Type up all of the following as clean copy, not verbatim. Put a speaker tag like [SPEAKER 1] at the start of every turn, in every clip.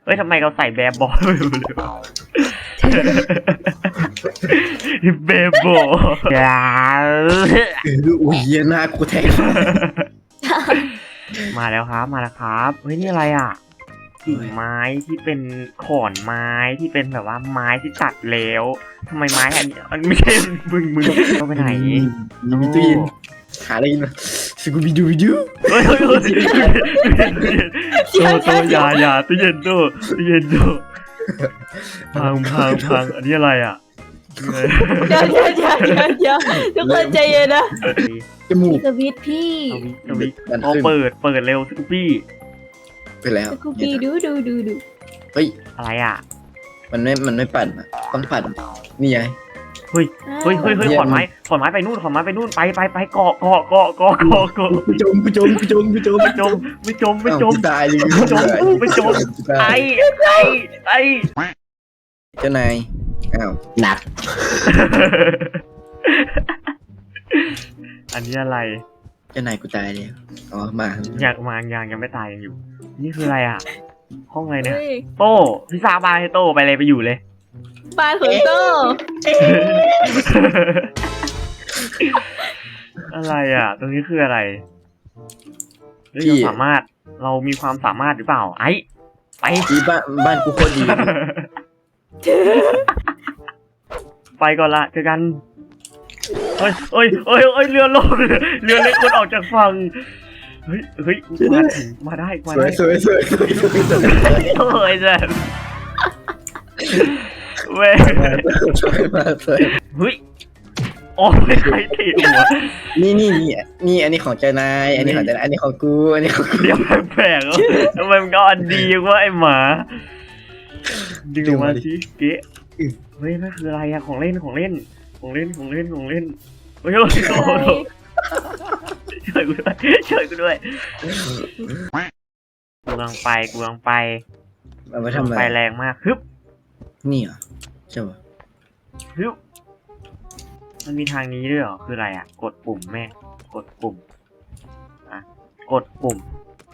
[SPEAKER 1] เฮ้ยทำไมเราใส่แบบบอลแบบบอลอย่า
[SPEAKER 2] อุ้ยหน้ากูแทง
[SPEAKER 1] มาแล้วครับมาแล้วครับเฮ้ยนี่อะไรอ่ะกิ่งไม้ที่เป็นขอนไม้ที่เป็นแบบว่าไม้ที่ตัดแล้วทำไมไม้อันไม่ใช่มึงเข้าไปไหน
[SPEAKER 2] มีตู้เย็นหาอะไรกินมาสกูบิดูบิดู
[SPEAKER 1] เฮ้ยโตอย่าตู้เย็นตู้เย็นตู้พังอันนี้อะไรอ่ะ
[SPEAKER 3] เดี๋ยวทุกคนใจเย็นนะ
[SPEAKER 2] จมูก
[SPEAKER 3] สวิตช์พี่
[SPEAKER 1] สวิตเอาเปิดเร็วสกูปี้
[SPEAKER 2] ไปแล้ว
[SPEAKER 3] สกูปี้ดู
[SPEAKER 2] เฮ้ย
[SPEAKER 1] อะไรอ่ะ
[SPEAKER 2] มันไม่ปั่นอ่ะต้องปั่นนี่ไง
[SPEAKER 1] เฮ้ยขอนไม้ไปนู่นไปเกาะ
[SPEAKER 2] กูจมตายเลย
[SPEAKER 1] ไอ
[SPEAKER 2] เจ้านายอ้าวหนัก
[SPEAKER 1] อันนี้อะไร
[SPEAKER 2] เจ้านายกูตายเลยอ๋อมา
[SPEAKER 1] ยังไม่ตายยังอยู่นี่คืออะไรอ่ะห้องอะไรเนี่ย
[SPEAKER 3] เฮ้ย
[SPEAKER 1] โต้พี่ซาบาให้โต้ไปเลยไปอยู่เลย
[SPEAKER 3] บ้านของโต
[SPEAKER 1] อะไรอ่ะ ตรงนี้คืออะไรเรามีความสามารถหรือเปล่าไอ้ไป
[SPEAKER 2] ที่บ้านกูโคตรดี
[SPEAKER 1] ไปก่อนละเจอกันเฮ้ยเรือล่มเรือเล็กคนออกจากฝั่งเฮ้ยมาได้
[SPEAKER 2] สวย
[SPEAKER 1] โอ้ยเจ้เว้ย
[SPEAKER 2] สวย
[SPEAKER 1] เฮ้ยโอ้ยใครตีหัว
[SPEAKER 2] นี่อันนี้ของเจ้านายอันนี้ของเจ้านายอันนี้ของกูอันนี้ของกู
[SPEAKER 1] เดี๋ยวแปลกๆทำไมมันก็อันดีว่าไอหมาดึงออกมาสิเก๊ะเฮ้ยนั่นคืออะไรอะของเล่นเฮ้ยโอ้โหช่วยกูด้วยกูกำลังไป
[SPEAKER 2] เอาไปทำอะไร
[SPEAKER 1] ไปแรงมากฮึบ
[SPEAKER 2] นี่เหรอใช่ป่ะ
[SPEAKER 1] ฮึบมันมีทางนี้ด้วยเหรอคืออะไรอะกดปุ่มแม่กดปุ่มอ่ะกดปุ่ม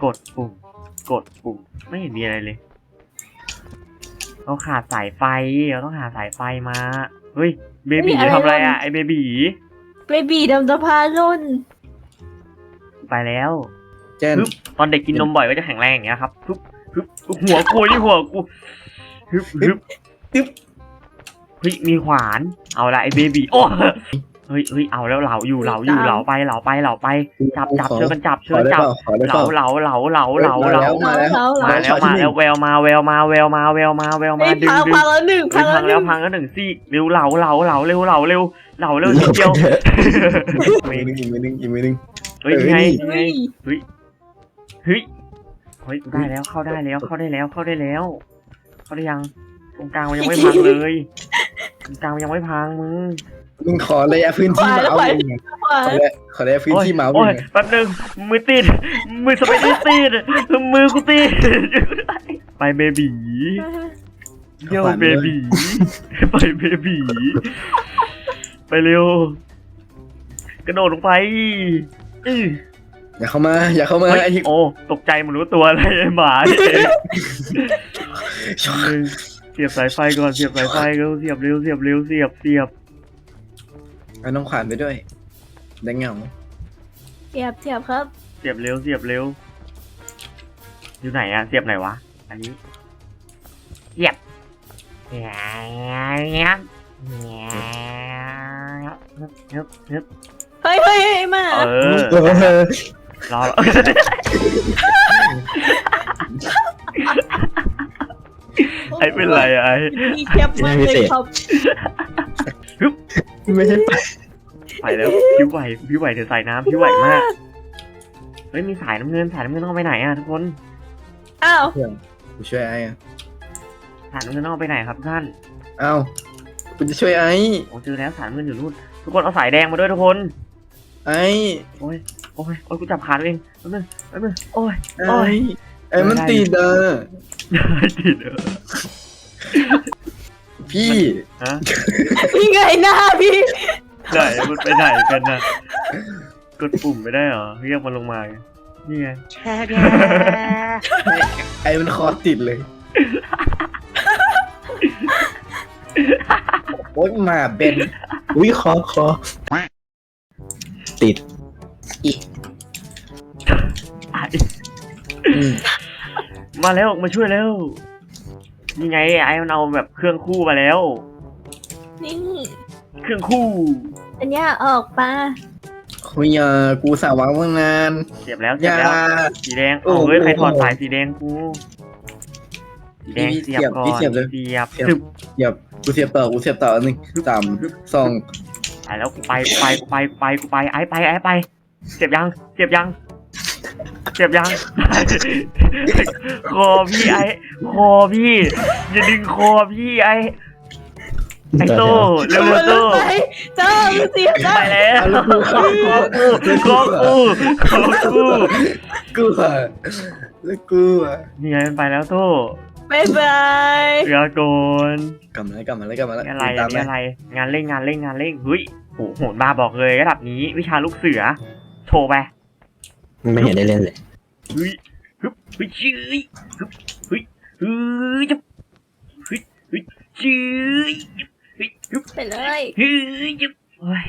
[SPEAKER 1] ไม่เห็นมีอะไรเลยเราขาดสายไฟเราต้องหาสายไฟมาเฮ้ยเบบีทำอะไรอะไอเบบี
[SPEAKER 3] เบบีดำสะพานล่น
[SPEAKER 1] ไปแล้ว
[SPEAKER 2] เจ้น
[SPEAKER 1] ตอนเด็กกินนมบ่อยก็จะแข็งแรงอย่างเงี้ยครับหัวกูฮึบเฮ้ยมีขวานเอาละไอเบบีโอ้เฮ้ยเอาแล้วเหลาไปจับเชิญจับเหลามาแล้วแววมาดึง
[SPEAKER 3] พังแล้วหนึ่ง
[SPEAKER 1] พังแล้วซี่เร็วเหลาเร็วนิดเดียว
[SPEAKER 2] มือนึง
[SPEAKER 1] เฮ้ยไงเฮ้ยได้แล้วเข้าได้แล้วเข้าได้ยังตรงกลางมันยังไม่พังเลยตรงกลางมันยังไม่พัง
[SPEAKER 2] มึงขอระยะพื้นที่เมาส์ขอระยะพื้นที่เมาส์
[SPEAKER 1] โอ้ยแป๊บนึงมือติดมือสไปดี้ติดมือกูติดไปเบบีเยี่ยวเบบีไปเบบีไปเร็วกระโดดลงไป
[SPEAKER 2] อย่าเข้ามาไอ้ที่
[SPEAKER 1] โอ้ตกใจมันรู้ตัวอะไรไอ้หมาเองเสียบสายไฟก่อนเสียบเร็ว
[SPEAKER 2] เอาน้องขวานไปด้วยได้เงา
[SPEAKER 3] เสียบครับ
[SPEAKER 1] เสียบเร็วอยู่ไหนอะเสียบไหนวะอันนี้เสียบ
[SPEAKER 3] เฮ้ยมา
[SPEAKER 1] รอไอ้เป็นไรไอ้
[SPEAKER 3] มีแคบมากเลยครับ
[SPEAKER 2] ไม่ใช่
[SPEAKER 1] ไปแล้วพี่ไหวเดี๋ยวใส่น้ำพี่ไหวมากเฮ้ยมีสายน้ำเงินต้องไปไหนอะทุกคน
[SPEAKER 3] อ้าว
[SPEAKER 2] กูช่วยไอ้
[SPEAKER 1] สายน้ำเงินต้องไปไหนครับท่าน
[SPEAKER 2] อ้าวกูจะช่วยไอ้
[SPEAKER 1] โอ้เจอแล้วสายน้ำเงินอยู่นู่นทุกคนเอาสายแดงมาด้วยทุกคน
[SPEAKER 2] ไอ้
[SPEAKER 1] โอ้ยกูจับขาตัวเองแป๊บนึงโอ้ย
[SPEAKER 2] ไอ้มันติดอ่ะ
[SPEAKER 1] ติด
[SPEAKER 2] พี่
[SPEAKER 1] ฮะ
[SPEAKER 3] พี่ไงหน้าพี่
[SPEAKER 1] ไหนมันไปไหนกันนะกดปุ่มไม่ได้เหรอเรียกมันลงมานี่ไง
[SPEAKER 2] ไอ้มันคอติดเลยโอ๊ยหมาเบน
[SPEAKER 4] อุ้ยคอติด
[SPEAKER 1] ไอ้
[SPEAKER 2] อืม
[SPEAKER 1] มาแล้วมาช่วยแล้วนี่ไงไอ้มันเอาแบบเครื่องคู่มาแล้ว
[SPEAKER 3] นี่
[SPEAKER 1] เครื่องคู่
[SPEAKER 3] อันเนี้ยออกมา
[SPEAKER 2] คุยกูสาววางตั้งนาน
[SPEAKER 1] เสียบแล้ว
[SPEAKER 2] อ
[SPEAKER 1] เสียบ
[SPEAKER 2] ย่า
[SPEAKER 1] แล้วสีแดง
[SPEAKER 2] โอ้
[SPEAKER 1] โอ้ย
[SPEAKER 2] โห
[SPEAKER 1] ใครถอดสายสีแดงกูสีแดง
[SPEAKER 2] พี่
[SPEAKER 1] เสียบก่อน
[SPEAKER 2] พี่เสียบเลย
[SPEAKER 1] เสียบ
[SPEAKER 2] เสียบ
[SPEAKER 1] ซึบ
[SPEAKER 2] กูเสียบต่อหนึ่งสามสอง
[SPEAKER 1] ไปแล้วกูไปไอ้ไปเสียบยังคอพี่ไอ้คอพี่อย่าดึงคอพี่ไอ้โต้เร็วๆโต้
[SPEAKER 3] เจ้าเสียเจ้า
[SPEAKER 1] ไปแล้ว
[SPEAKER 2] เอาลูกกู
[SPEAKER 1] คอกู
[SPEAKER 2] กูอะแล้วกูอะ
[SPEAKER 1] นี่ไงมันไปแล้วโต้
[SPEAKER 3] บายบาย
[SPEAKER 1] เรือโกน
[SPEAKER 2] กลับมาแล้ว
[SPEAKER 1] อะไร
[SPEAKER 2] ตาม
[SPEAKER 1] นี่อะไรงานเร่งเฮ้ยโหดมาบอกเลยระดับนี้วิชาลูกเสือโชว์ไป
[SPEAKER 4] ไม่เห็นได้เล่นเลย
[SPEAKER 1] เฮ้ยชื่อจับชื่อ
[SPEAKER 3] ไปเลย
[SPEAKER 1] จับโอ้ย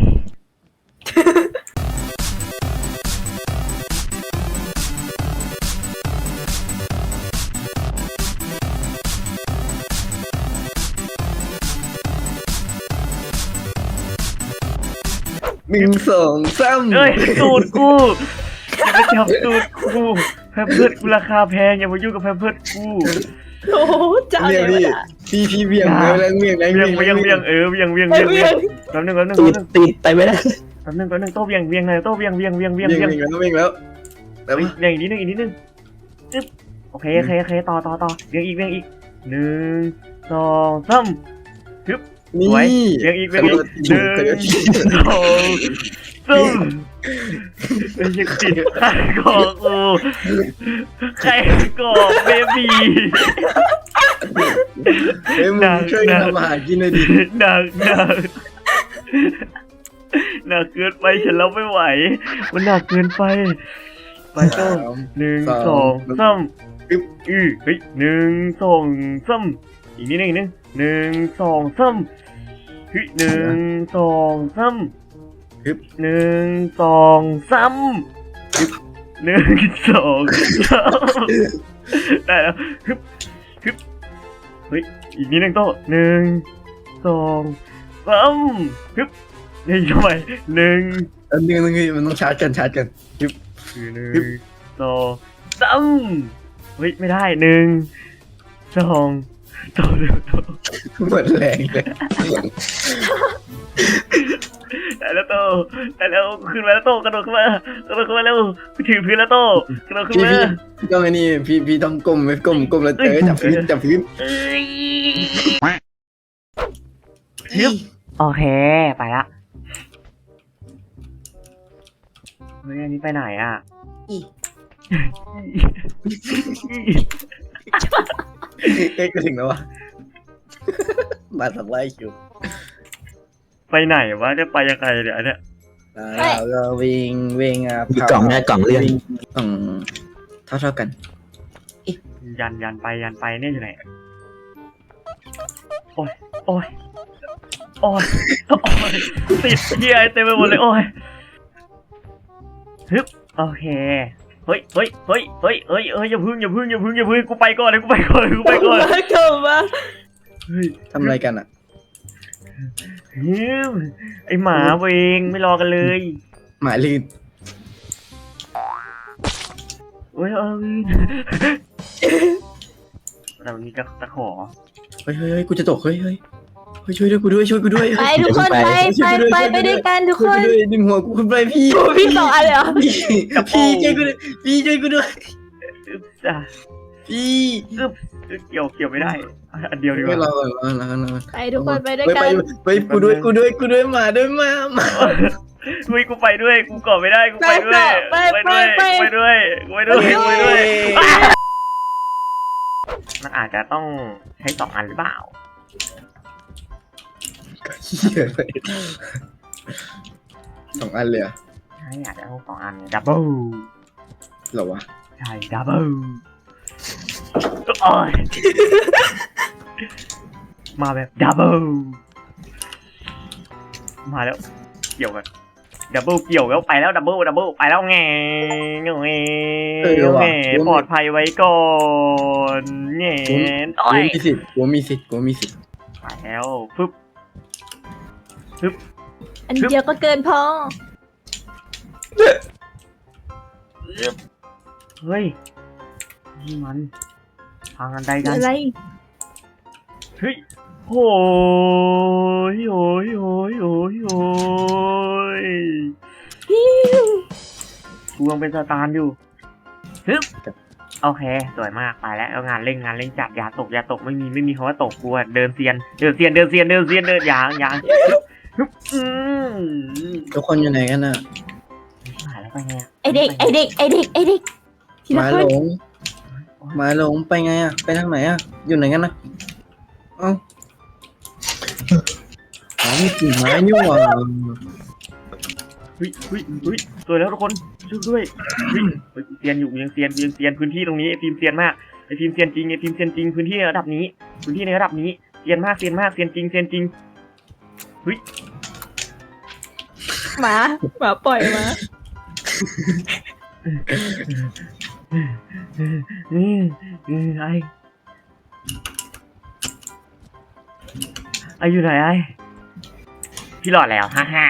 [SPEAKER 2] หนึ่งสองสาม
[SPEAKER 1] เอ้ยสูตรกูอย่าไปจับสูตรกูแพมเพิร์ดกูราคาแพงอย่ามายุ่งกับแพมเพิร์ดกู
[SPEAKER 3] โอ้โหเจ้า
[SPEAKER 2] เบี
[SPEAKER 3] เลย
[SPEAKER 2] งพี่เบียงแล้วเบียง
[SPEAKER 1] เวียงแป๊บนึง
[SPEAKER 4] ติดไปไม่ได้
[SPEAKER 1] โต้เวียงหน่อยโต้เวียง
[SPEAKER 2] แล้ว
[SPEAKER 1] เวียงอีกนิดนึงจึ๊บโอเคต่อเวียงอีก1 2 3
[SPEAKER 2] นี่
[SPEAKER 1] เวียงอีก1 2 3ไอ้ยังติดใครก่อกูใครก่อเบบี
[SPEAKER 2] เฮ้ยมึงช่วยทำอาหารกินหน่อยดิ
[SPEAKER 1] หนักเกินไปฉันรับไม่ไหวมันหนักเกินไปไปโต้1 2 3เฮ้ย1 2 3อีกนิดนึง1 2 3เฮ้ย1 2 3 1 2 3 1 2 3ได้แล้วเฮ้ยอีกนิดนึงโต้1 2 3เฮ้ยทำไม1
[SPEAKER 2] นึงมันต้องชาร์จกัน
[SPEAKER 1] 1 2 3เฮ้ยไม่ได้1 2โตเร็วโต
[SPEAKER 2] หมดแรงเลย
[SPEAKER 1] ได้แล้วโตได้แล้วขึ้นมาแล้วโตกระโดดขึ้นมาเร็วถือพื้นแล้วโตกระโดดขึ้นมา
[SPEAKER 2] พี่ต้องไอ้นี่พี่ต้องก้มแล้วจับพื้น
[SPEAKER 1] เอ้ยโอเคไปละเฮ้ยอันนี้ไปไหนอ่ะ
[SPEAKER 2] เอ๊ะก็ถึงแล้ววะมาสักไล่คิว
[SPEAKER 1] ไปไหนวะจะไปยังไงเนี่ยอันเนี้ย
[SPEAKER 2] แล้วก็วิ่งอ่ะ
[SPEAKER 4] มีกล่องหน้ากล่องเลื่อน
[SPEAKER 2] เท่ากัน
[SPEAKER 1] ยันไปเนี่ยอยู่ไหนโอ้ยติดเหี้ยเต็มไปหมดเลยโอ้ยฮึบโอเคเฮ้ยอย่าพึ่งกูไปก่อนเลย
[SPEAKER 3] กลับมา
[SPEAKER 1] เฮ้ย
[SPEAKER 2] ทำอะไรกันอ่ะ
[SPEAKER 1] ไอหมาเวงไม่รอกันเลย
[SPEAKER 2] หมายลื่น
[SPEAKER 1] เฮ้ยแต่มันมีตะขอ
[SPEAKER 2] เฮ้ยกูจะตกเฮ้ยช่วยด้วยกูด้วย
[SPEAKER 3] ไปทุกคนไปด้วยกันทุกคน
[SPEAKER 2] ดึงหัวกูขึ้นไปพี่
[SPEAKER 3] พี่สองอันเลยเหรอ
[SPEAKER 2] พี่ช่วยกูด้วยพี่ช่วยกูด้วย
[SPEAKER 1] จ้ะ
[SPEAKER 2] พี่
[SPEAKER 1] เกี่ยวไม่ได้อันเดียวดีก
[SPEAKER 2] ไม่
[SPEAKER 1] ว่า
[SPEAKER 2] รอ
[SPEAKER 3] ไปทุกคนไปด้วยกัน
[SPEAKER 2] ไปกูด้วยมา
[SPEAKER 1] กูไปด้วยกูเกาะไม่ได้กูไปด้วยมันอาจจะต้องใช้2 อันหรือเปล่า
[SPEAKER 2] เหี้ยเลย2 อันเลยอ่ะ
[SPEAKER 1] ใช่อาจจะต้อง2 อันดับเบิล
[SPEAKER 2] เหรอวะ
[SPEAKER 1] ใช่ดับเบิลโอ้ยมาแบบดับเบิลมาแล้วเกี่ยวกันดับเบิลเกี่ยวแล้วไปแล้วดับเบิลไปแล้วไงปลอดภัยไว้ก่อนแง่
[SPEAKER 2] กูมีสิทธิ์กูมีสิทธิ์
[SPEAKER 1] ไปแล้วปึ๊บ
[SPEAKER 3] อันเดียวก็เกินพอ
[SPEAKER 1] เฮ้ยนี่มันทางอันใดกัน
[SPEAKER 3] อะไร
[SPEAKER 1] เฮ้ยโอ้ยกูยังเป็นสตาร์อยู่ฮึบโอเคสวยมากไปแล้วเอางานเร่งจัดอย่าตกไม่มีคำว่าตกกูเดินเซียนอย่างฮึบ
[SPEAKER 2] ทุกคนอยู่ไหนกันน่ะ
[SPEAKER 1] หายแล้วไปไง
[SPEAKER 3] ไอเด็กทีละ
[SPEAKER 2] มา
[SPEAKER 3] ค
[SPEAKER 2] หล
[SPEAKER 3] น
[SPEAKER 2] งมาหลงไปไงอ่ะไปทางไหนอ่ะอยู่ไหนกันนะเอ้าอ๋อมีกิ่งไม้นี่หว่า
[SPEAKER 1] เฮ้ยสวยแล้วทุกคนช่วยด้วยเซียนอยู่ยังเซียนพื้นที่ตรงนี้ไอฟิล์มเซียนมากไอฟิล์มเซียนจริงพื้นที่ในระดับนี้เซียนมากเซียนจริงเฮ้ย
[SPEAKER 3] หมาปล่อยมา
[SPEAKER 1] ไออยู่ไหนไอพี่หลอดแล้วฮ่า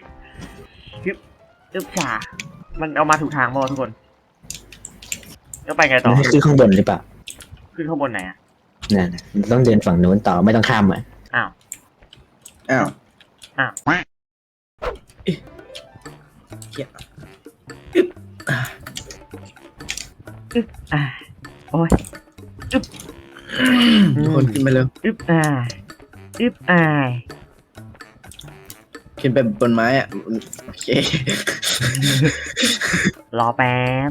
[SPEAKER 1] อึ๊บจ่ามันเอามาถูกทางบ่ทุกคนแล้วไปไงต่อ
[SPEAKER 4] ให้ขึ้นข้างบนหรือเปล่า
[SPEAKER 1] ขึ้นข้างบนไหนอ่ะ
[SPEAKER 4] นั่นน่ะต้องเดินฝั่งนู้นต่อไม่ต้องข้ามอ่ะ
[SPEAKER 1] อ้าว โอ้ย
[SPEAKER 2] ทุกคนขึ้นไปเร็ว
[SPEAKER 1] อึ๊บอาย
[SPEAKER 2] ขึ้นไปบนไม้อ่ะโอเค
[SPEAKER 1] รอแป๊บ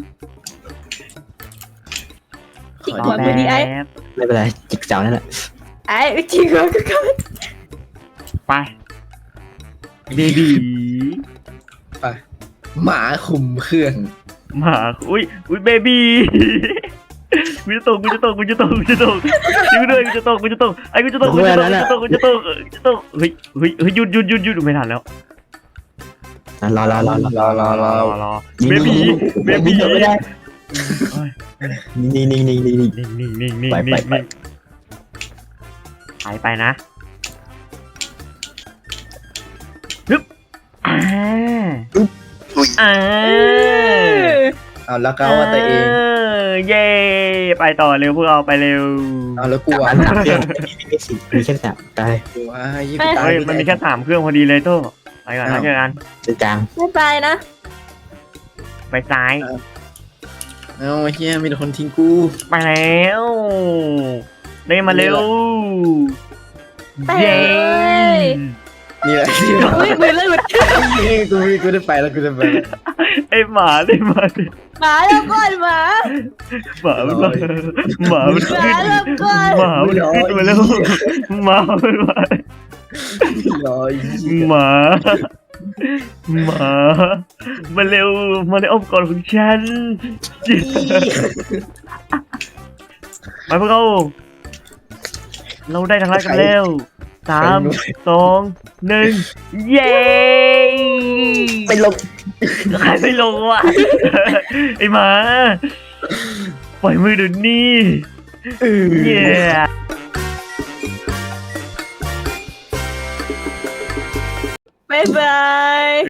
[SPEAKER 3] จิกหัวกูดีไอ้
[SPEAKER 4] ไม่เป็นไรจิกเสานั่นแหละ
[SPEAKER 3] ไอ้จิกหัวกูก็
[SPEAKER 1] ไปเบบี
[SPEAKER 2] ไปหมาคุมเครื่อง
[SPEAKER 1] มาอุ้ยเบบีกูจะตกช่วยด้วยกูจะตกไอ้กูจะตกเฮ้ยหยุดไม่ทันแล้ว
[SPEAKER 4] รอ
[SPEAKER 1] เบบี
[SPEAKER 4] ไม่ได้นี่
[SPEAKER 1] ไปนะฮึบ
[SPEAKER 2] เอาแล้วก็ว่าตัวเอง
[SPEAKER 1] เย่ไปต่อเร็วพวกเราไปเร็ว
[SPEAKER 2] เอาแล้วกลัว
[SPEAKER 4] 3 เครื่องมีแค่3ได้
[SPEAKER 2] กลัวยิ่ง
[SPEAKER 1] เฮ้ยมันมีแค่3เครื่องพอดีเลยโต้ไปก่อนนะเจอกัน
[SPEAKER 4] จุดกลาง
[SPEAKER 3] ไม่ไปนะ
[SPEAKER 1] ไปซ้าย
[SPEAKER 2] เอาเฮียมีแต่คนทิ้งกู
[SPEAKER 1] ไปแล้วเดินมาเร็ว
[SPEAKER 3] ไปเลย
[SPEAKER 2] นี่แหละที่
[SPEAKER 3] อุ้ยมือเลย
[SPEAKER 2] กูได้ไปแล้วกูจะไป
[SPEAKER 1] ไอหมาเลยหมา
[SPEAKER 3] หมาแล้วก่อนหมา
[SPEAKER 1] มันขึ้นมาแล้วหมามันมา
[SPEAKER 2] รอ
[SPEAKER 1] หมาเร็วมาในอ้อมกอดของฉันไปพวกเราได้ทางลัดกันแล้ว3 2 1เย้
[SPEAKER 4] ไปลง
[SPEAKER 1] ใครไม่ลงวะไอหมาปล่อยมือเดี๋ยวนี้เย้
[SPEAKER 3] บ๊ายบาย